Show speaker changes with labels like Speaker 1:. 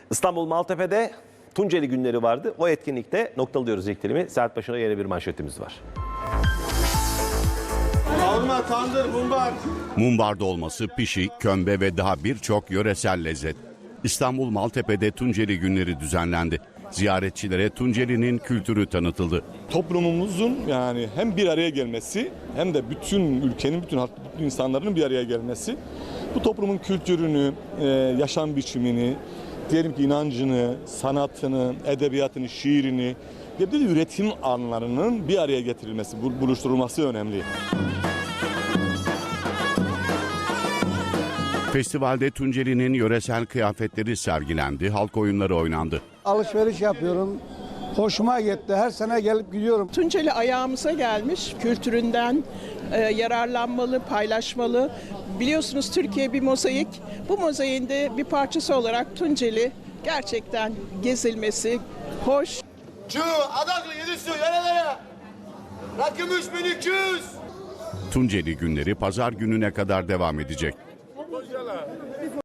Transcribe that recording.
Speaker 1: İstanbul Maltepe'de Tunceli günleri vardı. O etkinlikte noktalıyoruz ilk dilimi. Saat başına yeni bir manşetimiz var.
Speaker 2: Kavurma, tandır, mumbar.
Speaker 3: Mumbar dolması, pişi, kömbe ve daha birçok yöresel lezzet. İstanbul Maltepe'de Tunceli günleri düzenlendi. Ziyaretçilere Tunceli'nin kültürü tanıtıldı.
Speaker 2: Toplumumuzun yani hem bir araya gelmesi hem de bütün ülkenin, bütün insanların bir araya gelmesi. Bu toplumun kültürünü, yaşam biçimini, diyelim ki inancını, sanatını, edebiyatını, şiirini ve bir de üretim anlarının bir araya getirilmesi, buluşturulması önemli.
Speaker 3: Festivalde Tunceli'nin yöresel kıyafetleri sergilendi, halk oyunları oynandı.
Speaker 4: Alışveriş yapıyorum. Hoşuma gitti. Her sene gelip gidiyorum.
Speaker 5: Tunceli ayağımıza gelmiş. Kültüründen yararlanmalı, paylaşmalı. Biliyorsunuz Türkiye bir mozaik. Bu mozaiğin de bir parçası olarak Tunceli gerçekten gezilmesi hoş.
Speaker 6: Şu Adaklı Yedüstü nerelere? Rakım 3200.
Speaker 3: Tunceli günleri pazar gününe kadar devam edecek.